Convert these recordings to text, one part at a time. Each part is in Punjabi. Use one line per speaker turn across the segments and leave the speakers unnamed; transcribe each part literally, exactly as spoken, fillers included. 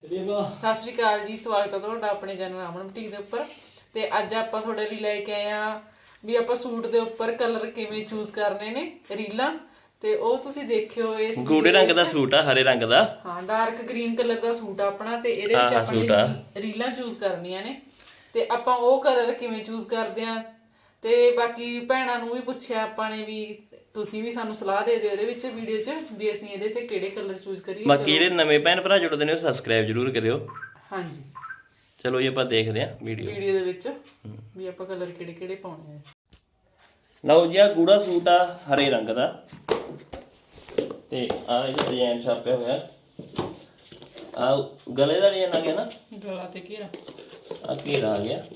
ਸਤਿ ਸ਼੍ਰੀ ਅਕਾਲ ਜੀ, ਸਵਾਗਤ ਹੈ ਤੁਹਾਡਾ ਆਪਣੇ ਚੈਨਲ ਅਮਨ ਬੁਟੀਕ ਦੇ ਉੱਪਰ। ਤੇ ਅੱਜ ਆਪਾਂ ਤੁਹਾਡੇ ਲਈ ਲੈ ਕੇ ਆਏ ਆ ਵੀ ਆਪਾਂ ਸੂਟ ਦੇ ਉੱਪਰ ਕਲਰ ਕਿਵੇਂ ਚੂਜ਼ ਕਰਨੇ ਨੇ, ਰੀਲਾਂ। ਤੇ ਉਹ ਤੁਸੀਂ ਦੇਖਿਓ। ਇਸ
ਗੂੜੇ ਰੰਗ ਦਾ ਸੂਟ ਆ, ਹਰੇ ਰੰਗ ਦਾ।
ਹਾਂ, ਡਾਰਕ ਗ੍ਰੀਨ ਕਲਰ ਦਾ ਸੂਟ ਆ ਆਪਣਾ। ਤੇ ਇਹਦੇ ਵਿੱਚ ਆਪਾਂ ਰੀਲਾਂ ਚੂਜ਼ ਕਰਨੀਆਂ ਨੇ ਤੇ ਆਪਾਂ ਉਹ ਕਲਰ ਕਿਵੇਂ ਚੂਜ਼ ਕਰਦੇ ਆ। ਤੇ ਬਾਕੀ ਭੈਣਾਂ ਨੂੰ ਵੀ ਪੁੱਛਿਆ ਆਪਾਂ ਨੇ ਵੀ ਤੁਸੀਂ ਵੀ ਸਾਨੂੰ ਸਲਾਹ ਦੇ ਦਿਓ ਇਹਦੇ ਵਿੱਚ ਵੀਡੀਓ 'ਚ ਵੀ ਅਸੀਂ ਇਹਦੇ ਤੇ ਕਿਹੜੇ ਕਲਰ ਚੂਜ਼ ਕਰੀਏ।
ਬਾਕੀ ਜਿਹੜੇ ਨਵੇਂ ਭੈਣ ਭਰਾ ਜੁੜਦੇ ਨੇ ਉਹ ਸਬਸਕ੍ਰਾਈਬ ਜ਼ਰੂਰ ਕਰਿਓ।
ਹਾਂਜੀ,
ਚਲੋ ਜੀ ਆਪਾਂ ਦੇਖਦੇ ਆ ਵੀਡੀਓ
ਵੀਡੀਓ ਦੇ ਵਿੱਚ ਵੀ ਆਪਾਂ ਕਲਰ ਕਿਹੜੇ ਕਿਹੜੇ ਪਾਉਣੇ ਆ।
ਲਓ ਜੀ, ਆ ਗੂੜਾ ਸੂਟ ਆ ਹਰੇ ਰੰਗ ਦਾ ਤੇ ਆ ਇਹਦਾ ਡਿਜ਼ਾਈਨ ਛਾਪਿਆ ਹੋਇਆ। ਆ ਗਲੇ ਦਾ ਡਿਜ਼ਾਈਨ ਆ ਗਿਆ ਨਾ,
ਗਲਾ ਤੇ ਘੇਰਾ,
ਆ ਘੇਰਾ ਆ ਗਿਆ।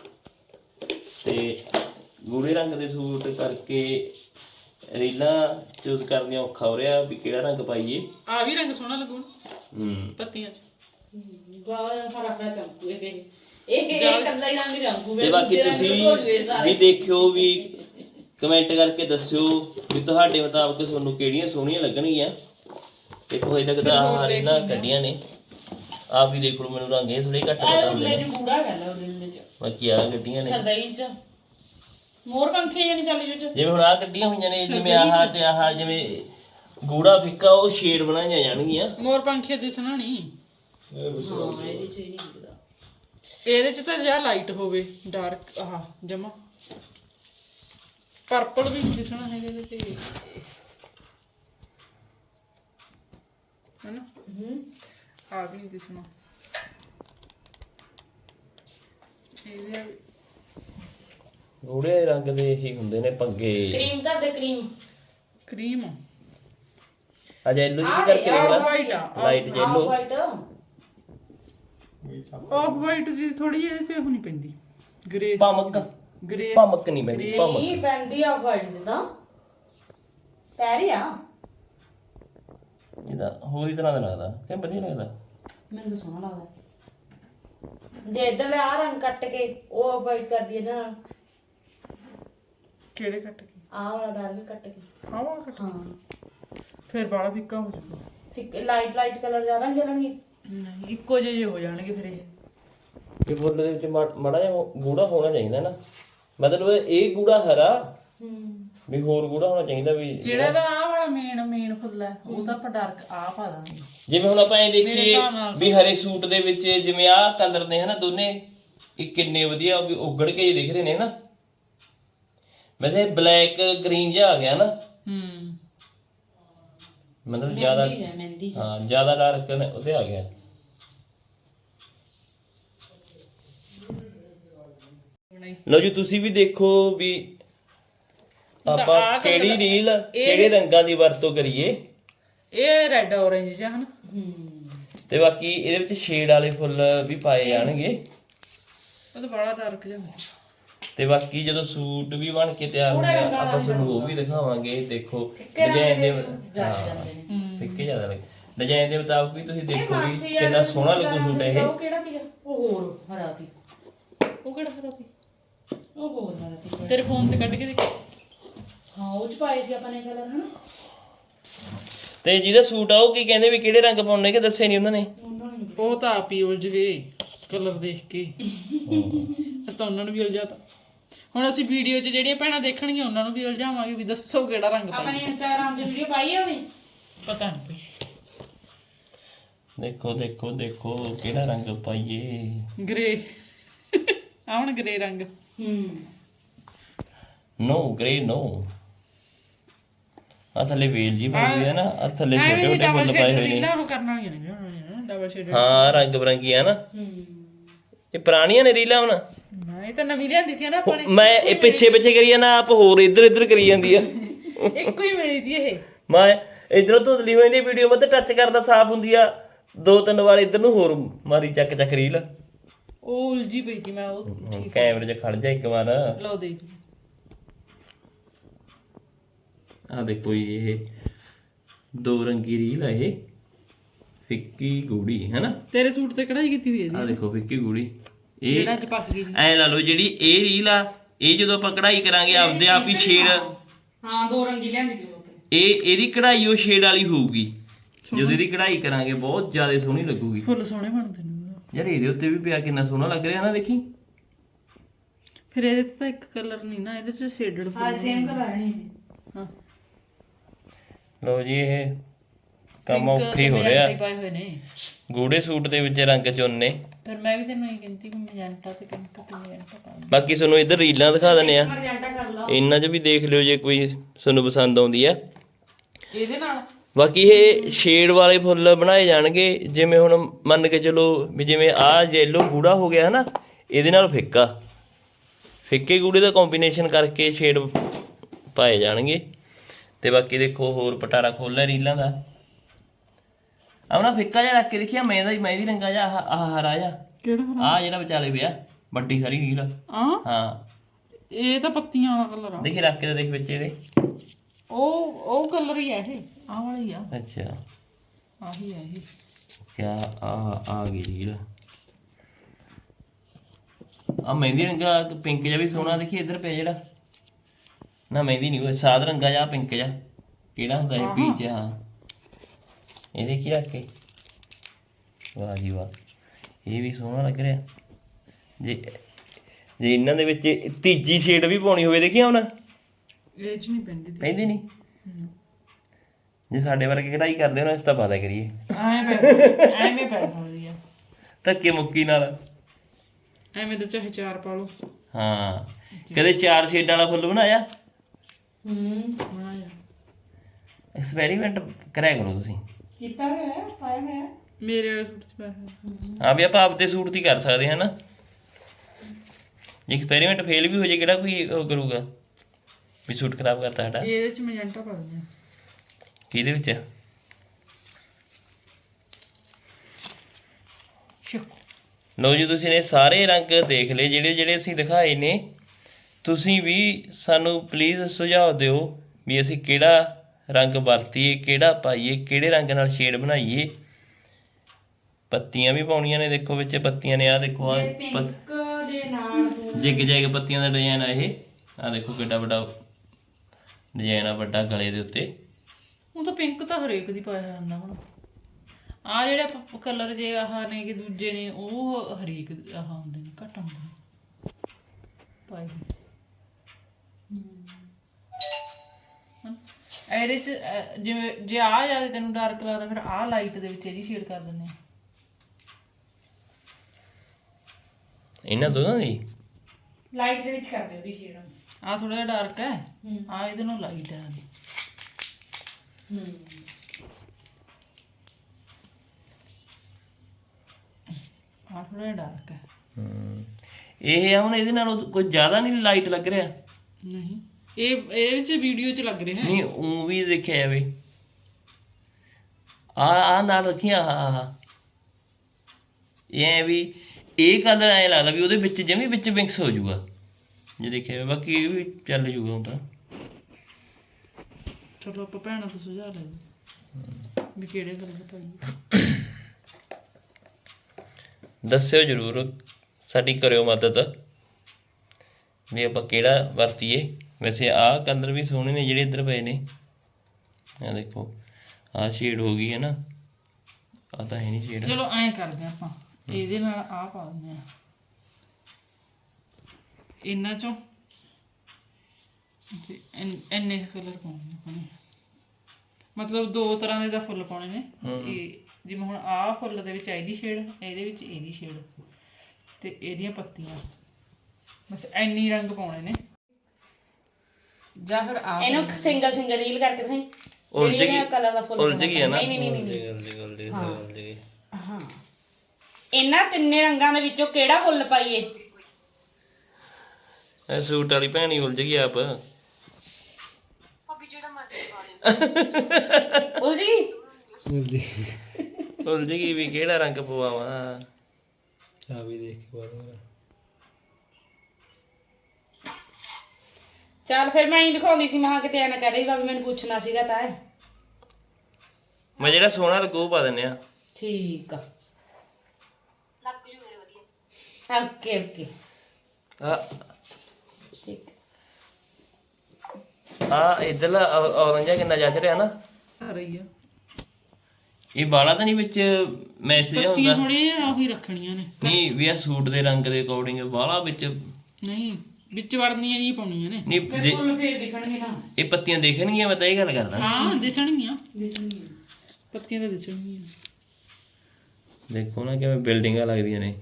ਤੇ ਗੂੜੇ ਰੰਗ ਦੇ ਸੂਟ ਕਰਕੇ ਰੀਲਾਂ ਚੂਜ਼ ਕਰਨੀਆਂ ਔਖਾ ਹੋ ਰਿਹਾ ਵੀ ਕਿਹੜਾ ਰੰਗ ਪਾਈਏ।
ਆ ਵੀ ਰੰਗ ਸੋਹਣਾ ਲੱਗੂ
ਹੂੰ
ਪੱਤੀਆਂ 'ਚ।
ਤੇ ਬਾਕੀ ਤੁਸੀਂ ਵੀ ਦੇਖਿਓ, ਵੀ ਕਮੈਂਟ ਕਰਕੇ ਦੱਸਿਓ ਵੀ ਤੁਹਾਡੇ ਮੁਤਾਬਕ ਤੁਹਾਨੂੰ ਕਿਹੜੀਆਂ ਸੋਹਣੀਆਂ ਲੱਗਣਗੀਆਂ। ਦੇਖੋ ਹਜੇ ਤੱਕ ਤਾਂ ਆਹ ਰੀਲਾਂ ਕੱਢੀਆਂ ਨੇ, ਆਪ ਵੀ ਦੇਖ ਲਓ। ਮੈਨੂੰ ਰੰਗ ਇਹ ਥੋੜੇ ਘੱਟ ਪਤਾ ਹੁੰਦੇ ਨੇ, ਬਾਕੀ ਆ ਗੱਡੀਆਂ ਨੇ
ਮੋਰ ਪੰਖੇ ਜਾਂ ਨਹੀਂ ਚੱਲੀ ਵਿੱਚ।
ਜਿਵੇਂ ਹੁਣ ਆ ਕੱਢੀਆਂ ਹੋਈਆਂ ਨੇ, ਜਿਵੇਂ ਆਹ ਤੇ ਆਹ ਜਿਵੇਂ ਗੂੜਾ ਫਿੱਕਾ ਉਹ ਸ਼ੇਡ ਬਣਾਈਆਂ ਜਾਣਗੀਆਂ।
ਮੋਰ ਪੰਖੇ ਦਿਸਣਾ ਨਹੀਂ ਇਹਦੇ 'ਚ ਨਹੀਂ ਦਿਖਦਾ। ਇਹਦੇ 'ਚ ਤਾਂ ਜਾਂ ਲਾਈਟ ਹੋਵੇ ਡਾਰਕ, ਆਹ ਜਮਾ ਪਰਪਲ ਵੀ ਦਿਸਣਾ ਹੈਗਾ ਇਹਦੇ ਤੇ ਹਨਾ। ਹੂੰ, ਆ ਵੀ ਨਹੀਂ ਦਿਸਣਾ ਇਹਦੇ।
ਗੂੜੇ ਰੰਗ ਦੇ ਇਹੀ ਹੁੰਦੇ ਨੇ ਪੰਗੇ।
ਕਰੀਮ ਤਾਂ ਦੇ ਕਰੀਮ
ਕਰੀਮ
ਆ ਜੈਲੋ ਜੀ ਕਰਕੇ ਦੇਖ ਲੈ,
ਵਾਈਟ ਆ,
light yellow.
White
off white ਜੀ ਥੋੜੀ ਜਿਹੀ ਤੇ ਹੋਣੀ ਪੈਂਦੀ। ਗ੍ਰੇ
ਭਮਕ
ਗ੍ਰੇ
ਭਮਕ ਨਹੀਂ ਪੈਂਦੀ, ਭਮਕ
ਨਹੀਂ ਪੈਂਦੀ ਆ ਵਾਈਟ ਦੇ ਤਾਂ ਪੈਰੀ ਆ।
ਇਹਦਾ ਹੋਰ ਹੀ ਤਰ੍ਹਾਂ ਦਾ ਲੱਗਦਾ ਕਿ ਵਧੀਆ ਲੱਗਦਾ।
ਮੈਨੂੰ ਤਾਂ ਸੋਹਣਾ ਲੱਗਦਾ ਜੇ ਇੱਧਰ ਲੈ ਆ ਰੰਗ ਕੱਟ ਕੇ ਉਹ ਵਾਈਟ ਕਰਦੀ ਇਹਦੇ ਨਾਲ।
ਕਿਹੜੇ ਕੱਟ ਕੇ?
ਆਹ ਵਾਲਾ ਡਾਰ ਵੀ ਕੱਟ ਕੇ।
ਆਹ ਵਾਲਾ ਕੱਟ
ਹਾਂ,
ਫਿਰ ਬਾਲਾ ਫਿੱਕਾ ਹੋ ਜਾਊਗਾ।
ਫਿੱਕੇ ਲਾਈਟ ਲਾਈਟ ਕਲਰ ਜ਼ਿਆਦਾ ਨਹੀਂ ਚੱਲਣਗੇ।
ਨਹੀਂ, ਇੱਕੋ ਜਿਹੇ ਹੋ ਜਾਣਗੇ ਫਿਰ ਇਹ।
ਇਹ ਫੁੱਲ ਦੇ ਵਿੱਚ ਮਾੜਾ ਜਿਹਾ ਗੂੜਾ ਹੋਣਾ ਚਾਹੀਦਾ ਨਾ, ਮਤਲਬ ਇਹ ਗੂੜਾ ਹਰਾ
ਹੂੰ,
ਵੀ ਹੋਰ ਗੂੜਾ ਹੋਣਾ ਚਾਹੀਦਾ। ਵੀ
ਜਿਹੜਾ ਦਾ ਆਹ ਵਾਲਾ ਮੇਨ ਮੇਨ ਫੁੱਲ ਹੈ ਉਹ ਤਾਂ ਆਪਾਂ ਡਾਰਕ ਆ ਪਾ ਦਾਂਗੇ।
ਜਿਵੇਂ ਹੁਣ ਆਪਾਂ ਇਹ ਦੇਖੀਏ ਵੀ ਹਰੇ ਸੂਟ ਦੇ ਵਿੱਚ ਜਿਵੇਂ ਆਹ ਕਲਰ ਨੇ ਹਨਾ ਦੋਨੇ, ਇਹ ਕਿੰਨੇ ਵਧੀਆ ਵੀ ਉਗੜ ਕੇ ਦਿਖ ਰਹੇ ਨੇ ਹਨਾ। ਵੈਸੇ ਬਲੈਕ ਗ੍ਰੀਨ ਜਿਹਾ ਆ ਗਿਆ ਨਾ।
ਹੂੰ,
ਮਤਲਬ ਜ਼ਿਆਦਾ
ਮਹਿੰਦੀ
ਹਾਂ ਜ਼ਿਆਦਾ ਡਾਰਕ ਉਹਦੇ ਆ ਗਿਆ। ਲਓ ਜੀ, ਤੁਸੀਂ ਵੀ ਦੇਖੋ ਵੀ ਆਪਾਂ ਕਿਹੜੀ ਰੀਲ ਕਿਹੜੇ ਰੰਗਾਂ ਦੀ ਵਰਤੋਂ ਕਰੀਏ।
ਇਹ ਰੈੱਡ ਔਰੇਂਜ ਜਿਹਾ ਹਨ।
ਹੂੰ,
ਤੇ ਬਾਕੀ ਇਹਦੇ ਵਿੱਚ ਸ਼ੇਡ ਵਾਲੇ ਫੁੱਲ ਵੀ ਪਾਏ ਜਾਣਗੇ।
ਉਹ ਤਾਂ ਬੜਾ ਡਾਰਕ ਜਿਹਾ।
ਤੇ ਬਾਕੀ ਜਦੋਂ ਸੂਟ ਵੀ ਬਣ ਕੇ ਤਿਆਰ ਹੋ ਗਿਆ ਆਪਾਂ ਤੁਹਾਨੂੰ ਉਹ ਵੀ ਦਿਖਾਵਾਂਗੇ। ਦੇਖੋ ਡਿਜ਼ਾਈਨ ਦੇ ਫਿੱਕੇ ਜ਼ਿਆਦਾ ਲੱਗੇ, ਡਿਜ਼ਾਈਨ ਦੇ ਮੁਤਾਬਕ ਵੀ ਤੁਸੀਂ ਦੇਖੋ ਵੀ ਕਿੰਨਾ ਸੋਹਣਾ ਲੱਗੂ ਸੂਟ ਇਹ।
ਉਹ ਕਿਹੜਾ ਸੀਗਾ? ਉਹ ਹੋਰ ਹਰਾ ਸੀ।
ਉਹ ਕਿਹੜਾ ਹਰਾ ਸੀ?
ਉਹ ਹੋਰ ਹਰਾ ਸੀ।
ਤੇਰੇ ਫੋਨ ਤੇ ਕੱਢ ਕੇ ਦੇਖ।
ਹਾਂ, ਉਹ ਚ ਪਾਏ ਸੀ ਆਪਾਂ ਨੇ ਕਲਰ ਹਨਾ।
ਤੇ ਜਿਹਦਾ ਸੂਟ ਆ ਉਹ ਕੀ ਕਹਿੰਦੇ ਵੀ ਕਿਹੜੇ ਰੰਗ ਪਾਉਣੇ ਕਿ ਦੱਸੇ ਨਹੀਂ ਉਹਨਾਂ ਨੇ।
ਉਹ ਤਾਂ ਆਪ ਹੀ ਉਲਝ ਗਏ ਕਲਰ ਦੇਖ ਕੇ। ਅਸੀਂ ਤਾਂ ਉਹਨਾਂ ਨੂੰ ਵੀ ਉਲਝਾਤਾ। ਹੁਣ ਅਸੀਂ ਵੀਡੀਓ 'ਚ ਜਿਹੜੀਆਂ ਭੈਣਾਂ ਦੇਖਣਗੀਆਂ ਉਹਨਾਂ ਨੂੰ ਵੀ ਉਲਝਾਵਾਂਗੇ ਵੀ ਦੱਸੋ ਕਿਹੜਾ ਰੰਗ ਪਾਈਏ।
ਆਪਣੇ ਇੰਸਟਾਗ੍ਰਾਮ ਤੇ ਵੀਡੀਓ ਪਾਈ ਆ ਉਹਦੀ,
ਪਤਾ ਨਹੀਂ।
ਦੇਖੋ ਦੇਖੋ ਦੇਖੋ ਕਿਹੜਾ ਰੰਗ ਪਾਈਏ।
ਗ੍ਰੇ ਆਉਣ ਗ੍ਰੇ ਰੰਗ।
ਹੂੰ,
ਨੋ ਗ੍ਰੇ ਨੋ। ਆ ਥੱਲੇ ਵੇਲ ਜੀ ਪਾਈ ਹੋਈ ਹੈ ਨਾ, ਆ ਥੱਲੇ ਛੋਟੇ ਛੋਟੇ ਫੁੱਲ ਪਾਏ ਹੋਏ ਨੇ।
ਉਹ ਕਰਨ ਵਾਲੀਆਂ ਨੇ ਡਬਲ ਸ਼ੇਡ।
ਹਾਂ, ਰੰਗ ਬਰੰਗੀਆਂ ਨਾ।
ਹੂੰ,
ਇਹ ਪੁਰਾਣੀਆਂ ਨੇ ਰੀਲਾਂ ਹੁਣ।
ਨਾ, ਇਹ ਤਾਂ ਨਵੀਂ ਲਿਆਂਦੀ ਸੀ ਨਾ ਆਪਾਂ ਨੇ।
ਮੈਂ ਇਹ ਪਿੱਛੇ ਪਿੱਛੇ ਕਰੀ ਜਾਂਦਾ, ਆਪ ਹੋਰ ਇੱਧਰ ਇੱਧਰ ਕਰੀ ਜਾਂਦੀ ਆ।
ਇੱਕੋ ਹੀ ਮਿਲੀ ਸੀ ਇਹ।
ਮੈਂ ਇਧਰੋਂ ਧੁੰਦਲੀ ਹੋਈ ਦੀ ਵੀਡੀਓ ਮੱਤੇ ਟੱਚ ਕਰਦਾ ਸਾਫ਼ ਹੁੰਦੀ ਆ, ਦੋ ਤਿੰਨ ਵਾਰ ਇੱਧਰ ਨੂੰ ਹੋਰ ਮਾਰੀ ਚੱਕ ਚੱਕ ਰੀਲ।
ਉਹ ਉਲਝੀ ਪਈ ਸੀ ਮੈਂ। ਉਹ
ਕੈਮਰੇ 'ਚ ਖੜ ਜਾ ਇੱਕ ਵਾਰ।
ਲਓ ਦੇਖ,
ਆ ਦੇਖੋ ਜੀ, ਇਹ ਦੋ ਰੰਗੀ ਰੀਲ ਆ, ਇਹ ਫਿੱਕੀ ਗੂੜੀ ਹੈ ਨਾ।
ਤੇਰੇ ਸੂਟ ਤੇ ਕਢਾਈ ਕੀਤੀ ਹੋਈ ਹੈ।
ਆ ਦੇਖੋ ਫਿੱਕੀ ਗੂੜੀ। ਇਹ
ਜਿਹੜਾ ਅੱਜ ਪੱਕ ਗਈ
ਐ ਲਾ ਲਓ, ਜਿਹੜੀ ਇਹ ਰੀਲ ਆ ਇਹ ਜਦੋਂ ਆਪਾਂ ਕਢਾਈ ਕਰਾਂਗੇ ਆਪਦੇ ਆਪ ਹੀ ਸ਼ੇਡ।
ਹਾਂ, ਦੋ ਰੰਗੀ ਲਿਆਂਦੀ ਸੀ ਉਹ।
ਇਹ ਇਹਦੀ ਕਢਾਈ ਉਹ ਸ਼ੇਡ ਵਾਲੀ ਹੋਊਗੀ। ਜਦੋਂ ਇਹਦੀ ਕਢਾਈ ਕਰਾਂਗੇ ਬਹੁਤ ਜ਼ਿਆਦਾ ਸੋਹਣੀ ਲੱਗੂਗੀ।
ਫੁੱਲ ਸੋਹਣੇ ਬਣਦੇ ਨੇ
ਯਾਰ ਇਹਦੇ ਉੱਤੇ ਵੀ ਪਿਆ ਕਿੰਨਾ ਸੋਹਣਾ ਲੱਗ ਰਿਹਾ ਨਾ, ਦੇਖੀ।
ਫਿਰ ਇਹਦੇ ਤੇ ਤਾਂ ਇੱਕ ਕਲਰ ਨਹੀਂ ਨਾ, ਇਹਦੇ ਤੇ ਸ਼ੇਡਡ
ਹਾਂ ਸੇਮ ਕਲਰ ਹੈ।
ਹਾਂ
ਲਓ ਜੀ ਇਹ ਕੰਮ ਔਖੀ ਹੋ ਰਿਹਾ।
ਪਾਏ ਹੋਏ ਨੇ
ਗੂੜੇ ਸੂਟ ਦੇ ਵਿੱਚ ਰੰਗ ਚੁੰਨੇ।
ਫਿਰ ਮੈਂ ਵੀ ਤੈਨੂੰ ਇਹ ਕਹਿੰਦੀ ਕਿ ਮੈਜੈਂਟਾ ਤੇ ਪਿੰਕ ਤੇ ਮੈਜੈਂਟਾ ਪਾ ਦੇ।
ਬਾਕੀ ਤੁਹਾਨੂੰ ਇੱਧਰ ਰੀਲਾਂ ਦਿਖਾ ਦਿੰਦੇ ਆ,
ਮਰਜੈਂਟਾ ਕਰ ਲਓ
ਇਹਨਾਂ 'ਚ ਵੀ ਦੇਖ ਲਿਓ ਜੇ ਕੋਈ ਤੁਹਾਨੂੰ ਪਸੰਦ ਆਉਂਦੀ ਆ।
ਇਹਦੇ ਨਾਲ
ਬਾਕੀ ਇਹ ਸ਼ੇਡ ਵਾਲੇ ਫੁੱਲ ਬਣਾਏ ਜਾਣਗੇ, ਜਿਵੇਂ ਹੁਣ ਮੰਨ ਕੇ ਚਲੋ ਵੀ ਜਿਵੇਂ ਆਹ ਯੈਲੋ ਗੂੜਾ ਹੋ ਗਿਆ ਨਾ, ਇਹਦੇ ਨਾਲ ਫਿੱਕਾ, ਫਿੱਕੇ ਗੂੜੇ ਦਾ ਕੰਬੀਨੇਸ਼ਨ ਕਰਕੇ ਸ਼ੇਡ ਪਾਏ ਜਾਣਗੇ। ਤੇ ਬਾਕੀ ਦੇਖੋ ਹੋਰ ਪਟਾਰਾ ਖੋਲ੍ਹਿਆ ਰੀਲਾਂ ਦਾ। ਆਪਣਾ ਫਿੱਕਾ ਜਿਹਾ ਰੱਖ ਕੇ ਦੇਖਿਆ ਮੈਂ ਦਾ ਮਹਿੰਦੀ ਰੰਗਾ ਜਿਹਾ, ਆਹ ਆਹ ਹਰਾ ਜਿਹਾ,
ਕਿਹੜਾ
ਆਹ ਜਿਹੜਾ ਵਿਚਾਲੇ ਪਿਆ ਵੱਡੀ ਸਾਰੀ ਰੀਲ।
ਆ
ਹਾਂ
ਇਹ ਤਾਂ ਪੱਤੀਆਂ ਵਾਲਾ ਕਲਰ ਆ।
ਦੇਖੀ ਰੱਖ ਕੇ ਤਾਂ ਦੇਖ ਵਿੱਚ ਇਹਦੇ।
ਉਹ ਉਹ ਕਲਰ ਹੀ ਆ ਇਹ, ਆਹ ਵਾਲਾ ਹੀ ਆ।
ਅੱਛਾ
ਆਹੀ ਆ ਇਹ।
ਕਿਆ ਆ ਆ ਗਈ ਰੀਲ। ਆ ਮਹਿੰਦੀ ਰੰਗਾ ਪਿੰਕ ਜਿਹਾ ਵੀ ਸੋਹਣਾ, ਦੇਖੀ ਇੱਧਰ ਪਿਆ ਜਿਹੜਾ ਨਾ, ਮਹਿੰਦੀ ਨਹੀਂ, ਉਹ ਸਾਦ ਰੰਗਾ ਜਿਹਾ ਪਿੰਕ ਜਿਹਾ ਕਿਹੜਾ ਹੁੰਦਾ ਇਹ ਪੀਚ। ਹਾਂ ਇਹ ਦੇਖੀ ਰੱਖ ਕੇ, ਵਾਹ ਜੀ ਵਾਹ, ਇਹ ਵੀ ਸੋਹਣਾ ਲੱਗ ਰਿਹਾ। ਜੇ ਜੇ ਇਹਨਾਂ ਦੇ ਵਿੱਚ ਤੀਜੀ ਸ਼ੇਡ ਵੀ ਪਾਉਣੀ ਹੋਵੇ, ਦੇਖੀ ਹੁਣ
ਇਹ ਚ ਨਹੀਂ ਪੈਂਦੀ
ਕਹਿੰਦੀ ਨਹੀਂ। ਜੇ ਸਾਡੇ ਵਰਗੇ ਕਢਾਈ ਕਰਦੇ ਹੋ ਨਾ, ਇਸ ਤਾਂ ਪਤਾ ਕਰੀਏ
ਐਵੇਂ ਪੈ ਐਵੇਂ ਪੈ ਸਕਦੀ ਆ
ਧੱਕੇ ਮੁੱਕੀ ਨਾਲ।
ਐਵੇਂ ਤਾਂ ਚਾਹੇ ਚਾਰ ਪਾ ਲਓ।
ਹਾਂ ਕਦੇ ਚਾਰ ਸ਼ੇਡਾਂ ਵਾਲਾ ਫੁੱਲ ਬਣਾਇਆ?
ਹੂੰ
ਬਣਾਇਆ
ਐਕਸਪੈਰੀਮੈਂਟ ਕਰਿਆ ਕਰੋ ਤੁਸੀਂ।
ਕੀਤਾ ਹੋਇਆ ਹੈ, ਪਾਇਆ ਹੋਇਆ ਹੈ।
ਮੇਰੇ ਵਾਲੇ ਸੂਟ ਚ ਪਾਇਆ ਹੋਇਆ।
ਹਾਂ ਵੀ ਆਪਾਂ ਆਪਦੇ ਸੂਟ ਦੀ ਕਰ ਸਕਦੇ ਹਾਂ ਨਾ। ਜੇ ਐਕਸਪੈਰੀਮੈਂਟ ਫੇਲ ਵੀ ਹੋ ਜੇ, ਕਿਹੜਾ ਕੋਈ ਉਹ ਕਰੂਗਾ ਵੀ ਸੂਟ ਖਰਾਬ ਕਰਤਾ ਸਾਡਾ।
ਇਹਦੇ ਚ ਮੈਜੈਂਟਾ ਪਾ ਦਿੰਦੇ ਆ।
ਕਿਹਦੇ ਵਿੱਚ? ਲਓ ਜੀ ਤੁਸੀਂ ਨੇ ਸਾਰੇ ਰੰਗ ਦੇਖ ਲਏ ਜਿਹੜੇ ਜਿਹੜੇ ਅਸੀਂ ਦਿਖਾਏ ਨੇ। ਤੁਸੀਂ ਵੀ ਸਾਨੂੰ ਪਲੀਜ਼ ਸੁਝਾਅ ਦਿਓ ਵੀ ਅਸੀਂ ਕਿਹੜਾ ਰੰਗ ਵਰਤੀਏ, ਕਿਹੜਾ ਪਾਈਏ, ਕਿਹੜੇ ਰੰਗ ਨਾਲ ਸ਼ੇਡ ਬਣਾਈਏ। ਪੱਤੀਆਂ ਵੀ ਪਾਉਣੀਆਂ ਨੇ, ਦੇਖੋ ਵਿੱਚ ਪੱਤੀਆਂ ਨੇ, ਆਹ ਦੇਖੋ ਆ
ਪਿੰਕ ਦੇ ਨਾਲ
ਜਿਗ ਜੈਗ ਪੱਤੀਆਂ ਦਾ ਡਿਜ਼ਾਈਨ ਆ ਇਹ। ਆਹ ਦੇਖੋ ਕਿੱਡਾ ਵੱਡਾ ਡਿਜ਼ਾਈਨ ਆ, ਵੱਡਾ ਗਲੇ ਦੇ ਉੱਤੇ।
ਉਹ ਤਾਂ ਪਿੰਕ ਤਾਂ ਹਰੇਕ ਦੀ ਪਾਇਆ ਜਾਂਦਾ ਹੁਣ। ਆ ਜਿਹੜੇ ਕਲਰ ਜੇ ਆਹ ਨੇ ਕਿ ਦੂਜੇ ਨੇ, ਉਹ ਹਰੇਕ ਆਹ ਹੁੰਦੇ ਨੇ, ਘੱਟ ਹੁੰਦੇ ਨੇ ਪਾਏ ਹੋਏ। ਇਹਦੇ ਚ ਅਹ, ਜਿਵੇਂ ਜੇ ਆ ਜਿਆਦਾ ਤੈਨੂੰ ਡਾਰਕ ਲੱਗਦਾ, ਫਿਰ ਆਹ ਲਾਈਟ ਦੇ ਵਿੱਚ ਇਹਦੀ ਸ਼ੇਡ ਕਰ ਦਿੰਦੇ ਆ।
ਇਹਨਾਂ ਦੋਨਾਂ ਦੀ
ਲਾਈਟ ਦੇ ਵਿੱਚ ਕਰ ਦਿਓ ਦੀ ਸ਼ੇਡ।
ਆਹ ਥੋੜਾ ਜਿਹਾ ਡਾਰਕ ਹੈ, ਆਹ ਇਹਦੇ ਨਾਲ ਲਾਈਟ ਹੈ।
ਹੂੰ
ਆਹ ਥੋੜਾ ਜਿਹਾ ਡਾਰਕ ਹੈ।
ਹਮ ਇਹ ਆ ਹੁਣ ਇਹਦੇ ਨਾਲੋਂ ਕੋਈ ਜ਼ਿਆਦਾ ਨਹੀਂ ਲਾਈਟ ਲੱਗ ਰਿਹਾ?
ਨਹੀਂ ਇਹ ਇਹ ਵਿੱਚ ਵੀਡੀਓ ਚ ਲੱਗ ਰਿਹਾ ਹੈ।
ਨਹੀਂ ਉਹ ਵੀ ਦੇਖਿਆ ਜਾਵੇ, ਆ ਆ ਨਾਲ ਰੱਖੀਆਂ ਆਹ ਆਹ ਇਹ ਵੀ ਇਹ ਕਲਰ ਐ ਲੱਗਦਾ ਵੀ ਉਹਦੇ ਵਿੱਚ ਜਿਵੇਂ ਵਿੱਚ ਮਿਕਸ ਹੋ ਜਾਊਗਾ ਜੇ ਦੇਖਿਆ ਜਾਵੇ। ਬਾਕੀ ਇਹ ਵੀ ਚੱਲ ਜੂਗਾ ਹੁਣ ਤਾਂ।
ਚਲੋ ਆਪਾਂ ਭੈਣਾਂ ਤੋਂ ਸੁਝਾਅ ਲੈ ਵੀ ਕਿਹੜੇ ਕਲਰ ਪਾਈਏ।
ਦੱਸਿਓ ਜ਼ਰੂਰ, ਸਾਡੀ ਕਰਿਓ ਮਦਦ ਵੀ ਆਪਾਂ ਕਿਹੜਾ ਵਰਤੀਏ। ਵੈਸੇ ਆਹ ਕਲਰ ਵੀ ਸੋਹਣੇ ਨੇ ਜਿਹੜੇ ਇੱਧਰ ਪਏ ਨੇ। ਆਹ ਦੇਖੋ ਆਹ ਸ਼ੇਡ ਹੋ ਗਈ ਹੈ ਨਾ, ਆਹ ਤਾਂ ਹੈ ਨਹੀਂ ਸ਼ੇਡ।
ਚਲੋ ਐਂ ਕਰਦੇ ਆ ਆਪਾਂ, ਇਹਦੇ ਨਾਲ ਆਹ ਪਾ ਦਿੰਦੇ ਆ ਇਹਨਾਂ ਚੋਂ, ਤੇ ਇੰਨ- ਇੰਨੇ ਕਲਰ ਪਾਉਣੇ ਆਪਾਂ ਨੇ। ਮਤਲਬ ਦੋ ਤਰ੍ਹਾਂ ਦੇ ਦਾ ਫੁੱਲ ਪਾਉਣੇ ਨੇ। ਇਹ ਜਿਵੇਂ ਹੁਣ ਆਹ ਫੁੱਲ ਦੇ ਵਿੱਚ ਇਹਦੀ ਸ਼ੇਡ, ਇਹਦੇ ਵਿੱਚ ਇਹਦੀ ਸ਼ੇਡ, ਤੇ ਇਹਦੀਆਂ ਪੱਤੀਆਂ, ਬਸ ਇੰਨੀ ਰੰਗ ਪਾਉਣੇ ਨੇ। ਜਾਂ ਫਿਰ ਆਹ
ਇਹਨੂੰ ਸਿੰਗਲ ਸਿੰਗਲ ਰੀਲ ਕਰਕੇ ਤੁਸੀਂ
ਉਲਝ ਗਈ
ਕਲਰ ਦਾ ਫੁੱਲ
ਉਲਝ ਗਈ ਹੈ ਨਾ।
ਨਹੀਂ ਨਹੀਂ ਨਹੀਂ ਹਾਂ ਇਹਨਾਂ ਤਿੰਨੇ ਰੰਗਾਂ ਦੇ ਵਿੱਚੋਂ ਕਿਹੜਾ ਫੁੱਲ ਪਾਈਏ?
ਇਹ ਸੂਟ ਵਾਲੀ ਭੈਣ ਹੀ ਉਲਝ ਗਈ ਆਪ।
ਉਲਝ ਗਈ
ਉਲਝ ਗਈ ਵੀ ਕਿਹੜਾ ਰੰਗ ਪਵਾਵਾਂ।
ਆ ਵੀ ਦੇਖ ਕੇ ਬਾਅਦ
ਚੱਲ ਫਿਰ ਮੈਂ ਹੀ ਦਿਖਾਉਂਦੀ ਸੀ, ਮੈਂ ਕਿਹਾ ਕਿਤੇ ਐ ਨਾ ਕਹਦੇ ਵੀ ਮੈਨੂੰ ਪੁੱਛਣਾ ਸੀਗਾ ਤਾਂ।
ਮੈਂ ਜਿਹੜਾ ਸੋਹਣਾ ਲੱਗੂ ਉਹ ਪਾ ਦਿੰਨੇ ਆ।
ਠੀਕ ਆ, ਓਕੇ ਓਕੇ
ਆ
ਠੀਕ।
ਆ ਇਧਰਲਾ ਔਰੰਜ ਕਿੰਨਾ ਜੱਜ ਰਿਹਾ ਨਾ।
ਆ ਰਹੀ ਆ
ਇਹ ਬਾਲਾ ਤਾਂ ਨਹੀਂ ਵਿੱਚ ਮੈਸੇਜ
ਪੱਤੀਆਂ
ਹੁੰਦਾ
ਥੋੜੀਆਂ ਉਹੀ ਰੱਖਣੀਆਂ ਨੇ
ਨਹੀਂ ਵੀ ਆ ਸੂਟ ਦੇ ਰੰਗ ਦੇ ਅਕੋਰਡਿੰਗ ਬਾਲਾ ਵਿੱਚ
ਨਹੀਂ ਵਿੱਚ ਵੜਨੀਆਂ ਜੀ ਪਾਉਣੀਆਂ ਨੇ
ਨਹੀਂ
ਫਿਰ
ਜੇ
ਫੁੱਲ ਫੇਰ ਦਿਖਣਗੇ ਨਾ।
ਇਹ ਪੱਤੀਆਂ ਦੇਖਣਗੀਆਂ ਮੈਂ ਤਾਂ ਇਹ ਗੱਲ ਕਰਦਾ
ਹਾਂ ਦਿਸਣਗੀਆਂ
ਦਿਸਣਗੇ।
ਪੱਤੀਆਂ ਤਾਂ ਦਿਸਣਗੀਆਂ।
ਦੇਖੋ ਨਾ ਕਿਵੇਂ ਬਿਲਡਿੰਗਾਂ ਲੱਗਦੀਆਂ ਨੇ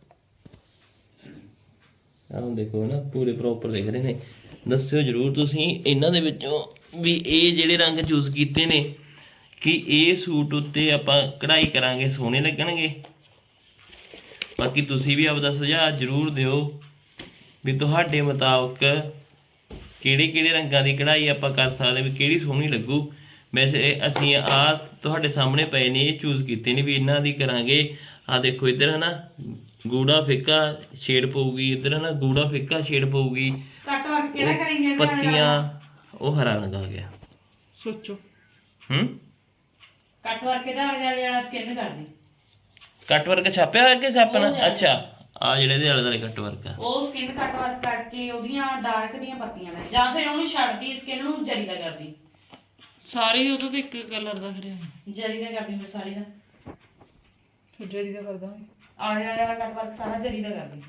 ਆਹ ਦੇਖੋ ਨਾ ਪੂਰੇ ਪ੍ਰੋਪਰ ਦਿਖ ਰਹੇ ਨੇ। ਦੱਸਿਓ ਜਰੂਰ ਤੁਸੀਂ ਇਹਨਾਂ ਦੇ ਵਿੱਚੋਂ ਵੀ ਇਹ ਜਿਹੜੇ ਰੰਗ ਚੂਜ਼ ਕੀਤੇ ਨੇ ਕਿ ਇਹ ਸੂਟ ਉੱਤੇ ਆਪਾਂ ਕਢਾਈ ਕਰਾਂਗੇ ਸੋਹਣੇ ਲੱਗਣਗੇ। ਬਾਕੀ ਤੁਸੀਂ ਵੀ ਆਪਦਾ ਸੁਝਾਅ ਜਰੂਰ ਦਿਓ ਵੀ ਤੁਹਾਡੇ ਮੁਤਾਬਕ ਕਿਹੜੇ ਕਿਹੜੇ ਰੰਗਾਂ ਦੀ ਕਢਾਈ ਆਪਾਂ ਕਰ ਸਕਦੇ ਵੀ ਕਿਹੜੀ ਸੋਹਣੀ ਲੱਗੂ। ਵੈਸੇ ਅਸੀਂ ਆ ਤੁਹਾਡੇ ਸਾਹਮਣੇ ਪਏ ਨੇ ਇਹ ਚੂਜ਼ ਕੀਤੇ ਨੇ ਵੀ ਇਹਨਾਂ ਦੀ ਕਰਾਂਗੇ। ਆ ਦੇਖੋ ਇੱਧਰ ਹਨਾ ਗੂੜਾ ਫਿੱਕਾ ਸ਼ੇਡ ਪਊਗੀ, ਇੱਧਰ ਹਨਾ ਗੂੜਾ ਫਿੱਕਾ ਸ਼ੇਡ ਪਊਗੀ।
ਕੱਟ ਵਰਕ ਕਿਹੜਾ ਕਰਾਂਗੇ?
ਪੱਤੀਆਂ ਉਹ ਹਰਾ ਰੰਗ ਆ ਗਿਆ।
ਸੋਚੋ
ਹੂੰ
ਕੱਟ ਵਰਕ ਇਹਦਾ ਆਲੇ ਦੁਆਲੇ ਵਾਲਾ ਸਕਿਨ ਕਰਦੀ।
ਕੱਟ ਵਰਕ ਛਾਪਿਆ ਹੋਇਆ ਕਿ ਛਾਪਣਾ? ਅੱਛਾ ਆ ਜਿਹੜੇ ਇਹਦੇ ਆਲੇ ਦੁਆਲੇ ਕੱਟ ਵਰਕ ਆ
ਉਹ ਸਕਿਨ ਕੱਟ ਵਰਕ ਕਰਕੇ ਉਹਦੀਆਂ ਡਾਰਕ ਦੀਆਂ ਪੱਤੀਆਂ ਨੇ ਜਾਂ ਫਿਰ ਉਹਨੂੰ ਛੱਡਦੀ ਸਕਿਨ ਨੂੰ ਜਰੀ ਦਾ ਕਰਦੀ।
ਸਾਰੀ ਉਹਦਾ ਤੇ ਇੱਕ ਕਲਰ ਦਾ ਕਰਿਆ
ਜਰੀ ਦਾ ਕਰਦੀ ਮੈਂ ਸਾਰੀ ਦਾ।
ਫਿਰ ਜਰੀ ਦਾ ਕਰਦਾ
ਆਲੇ ਦੁਆਲੇ ਵਾਲਾ ਕੱਟ ਵਰਕ ਸਾਰਾ ਜਰੀ ਦਾ ਕਰਦੀ।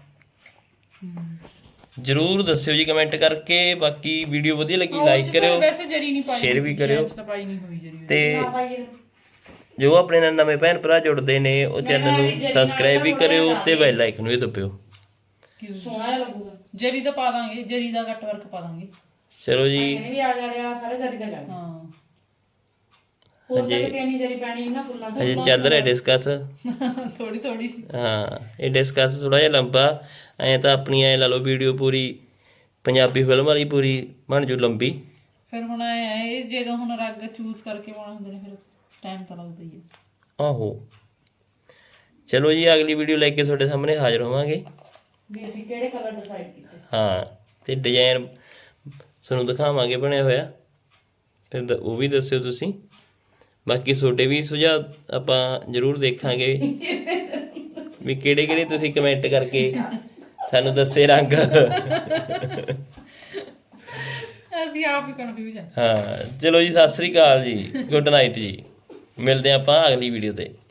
ਜਰੂਰ ਦੱਸਿਓ ਜੀ ਕਮੈਂਟ ਕਰਕੇ। ਬਾਕੀ ਵੀਡੀਓ ਵਧੀਆ ਲੱਗੀ ਲਾਈਕ ਕਰਿਓ,
ਵੈਸੇ ਜਰੀ ਨਹੀਂ ਪਾਈ,
ਸ਼ੇਅਰ ਵੀ ਕਰਿਓ
ਪਾਈ ਨਹੀਂ ਹੋਈ ਜਰੀ
ਤੇ
ਨਾ ਪਾਈਏ
ਜੋ ਆਪਣੇ ਨਾਲ ਨਵੇਂ ਭੈਣ ਭਰਾ ਜੁੜਦੇ ਨੇ ਉਹ ਚੈਨਲ ਨੂੰ ਸਬਸਕ੍ਰਾਈਬ ਵੀ ਕਰਿਓ ਤੇ ਬੈਲ ਆਈਕਨ ਵੀ ਦਬਾਇਓ।
ਸੋਹਣਾ ਜਿਹਾ ਲੱਗੂਗਾ।
ਜਰੀ ਦਾ ਪਾ ਦਾਂਗੇ, ਜਰੀ ਦਾ ਕੱਟ ਵਰਕ ਪਾ ਦਾਂਗੇ।
ਚਲੋ ਜੀ
ਇਹਨੇ ਵੀ ਆਲੇ ਦੁਆਲੇ ਵਾਲਾ ਸਾਰਾ ਜਰੀ ਦਾ ਕਰਦੀ।
ਹਾਂ
ਹੋਰ ਤਾਂ ਕਿਤੇ ਨਹੀਂ ਜਰੀ ਪੈਣੀ ਨਾ ਫੁੱਲਾਂ ਤੇ।
ਅਜੇ ਚੱਲ ਰਿਹਾ ਡਿਸਕਸ।
ਥੋੜੀ ਥੋੜੀ
ਹਾਂ ਇਹ ਡਿਸਕਸ ਥੋੜਾ ਜਿਹਾ ਲੰਬਾ ਐ ਤਾਂ ਆਪਣੀ ਐ ਲਾ ਲਓ ਵੀਡੀਓ ਪੂਰੀ ਪੰਜਾਬੀ ਫਿਲਮ ਵਾਲੀ ਪੂਰੀ ਬਣ ਜੂ ਲੰਬੀ।
ਫਿਰ ਹੁਣ ਇਹ ਜਦੋਂ ਹੁਣ ਰੰਗ ਚੂਜ਼ ਕਰਕੇ ਪਾਉਣਾ ਹੁੰਦੇ ਨੇ ਫਿਰ ਟਾਈਮ ਤਾਂ ਲੱਗਦਾ ਹੀ ਹੈ।
ਆਹੋ ਚਲੋ ਜੀ ਅਗਲੀ ਵੀਡੀਓ ਲੈ ਕੇ ਤੁਹਾਡੇ ਸਾਹਮਣੇ ਹਾਜ਼ਰ ਹੋਵਾਂਗੇ।
ਵੀ ਅਸੀਂ ਕਿਹੜੇ ਕਲਰ ਡਿਸਾਈਡ ਕੀਤੇ।
ਹਾਂ ਤੇ ਡਿਜ਼ਾਈਨ ਤੁਹਾਨੂੰ ਦਿਖਾਵਾਂਗੇ ਬਣਿਆ ਹੋਇਆ, ਫਿਰ ਦ- ਉਹ ਵੀ ਦੱਸਿਓ ਤੁਸੀਂ। ਬਾਕੀ ਤੁਹਾਡੇ ਵੀ ਸੁਝਾਅ ਆਪਾਂ ਜ਼ਰੂਰ ਦੇਖਾਂਗੇ ਵੀ ਕਿਹੜੇ ਕਿਹੜੇ ਤੁਸੀਂ ਕਮੈਂਟ ਕਰਕੇ ਸਾਨੂੰ ਦੱਸੇ ਰੰਗ।
ਅਸੀਂ ਆਪ ਹੀ ਕਨਫਿਊਜ਼ ਆ।
ਹਾਂ ਚਲੋ ਜੀ ਸਤਿ ਸ੍ਰੀ ਅਕਾਲ ਜੀ, ਗੁੱਡ ਨਾਈਟ ਜੀ। ਮਿਲਦੇ ਹਾਂ ਆਪਾਂ ਅਗਲੀ ਵੀਡੀਓ ਤੇ।